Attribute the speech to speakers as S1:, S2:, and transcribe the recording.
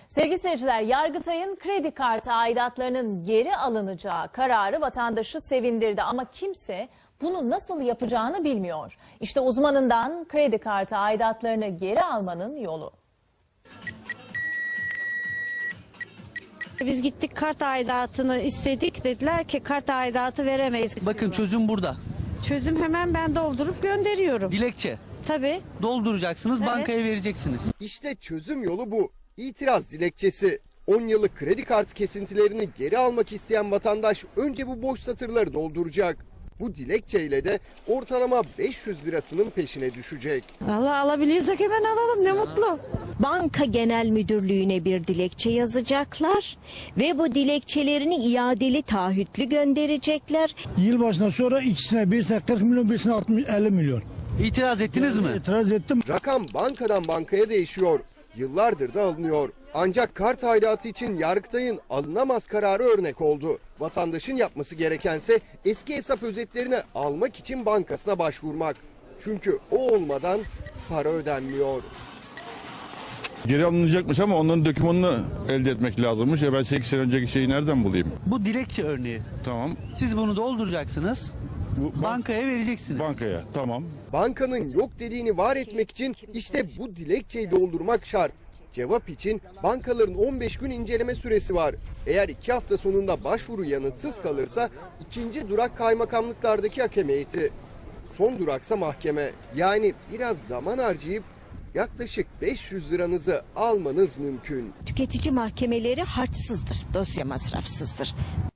S1: Sevgili seyirciler, Yargıtay'ın kredi kartı aidatlarının geri alınacağı kararı vatandaşı sevindirdi ama kimse bunu nasıl yapacağını bilmiyor. İşte uzmanından kredi kartı aidatlarını geri almanın yolu.
S2: Biz gittik kart aidatını istedik, dediler ki kart aidatı veremeyiz.
S3: Bakın çözüm burada.
S2: Çözüm hemen ben doldurup gönderiyorum.
S3: Dilekçe.
S2: Tabii.
S3: Dolduracaksınız,
S2: Evet.
S3: bankaya vereceksiniz.
S4: İşte çözüm yolu bu. İtiraz dilekçesi. 10 yıllık kredi kartı kesintilerini geri almak isteyen vatandaş önce bu boş satırları dolduracak. Bu dilekçeyle de ortalama 500 lirasının peşine düşecek.
S2: Vallahi alabiliyorsak hemen alalım, ne mutlu.
S5: Banka Genel Müdürlüğü'ne bir dilekçe yazacaklar ve bu dilekçelerini iadeli taahhütlü gönderecekler.
S6: Yılbaşından sonra ikisine, birisine 40 milyon, birisine 50 milyon.
S3: İtiraz ettiniz mi?
S6: İtiraz ettim.
S4: Rakam bankadan bankaya değişiyor. Yıllardır da alınıyor. Ancak kart aidatı için Yargıtay'ın alınamaz kararı örnek oldu. Vatandaşın yapması gerekense eski hesap özetlerini almak için bankasına başvurmak. Çünkü o olmadan para ödenmiyor.
S7: Geri alınacakmış ama onların dokümanını elde etmek lazımmış. Ben 8 sene önceki şeyi nereden bulayım?
S3: Bu dilekçe örneği.
S7: Tamam.
S3: Siz bunu dolduracaksınız, bankaya vereceksiniz.
S7: Bankaya, tamam.
S4: Bankanın yok dediğini var etmek için işte bu dilekçeyi doldurmak şart. Cevap için bankaların 15 gün inceleme süresi var. Eğer 2 hafta sonunda başvuru yanıtsız kalırsa ikinci durak kaymakamlıklardaki hakem heyeti. Son duraksa mahkeme. Yani biraz zaman harcayıp yaklaşık 500 liranızı almanız mümkün.
S5: Tüketici mahkemeleri harçsızdır, dosya masrafsızdır.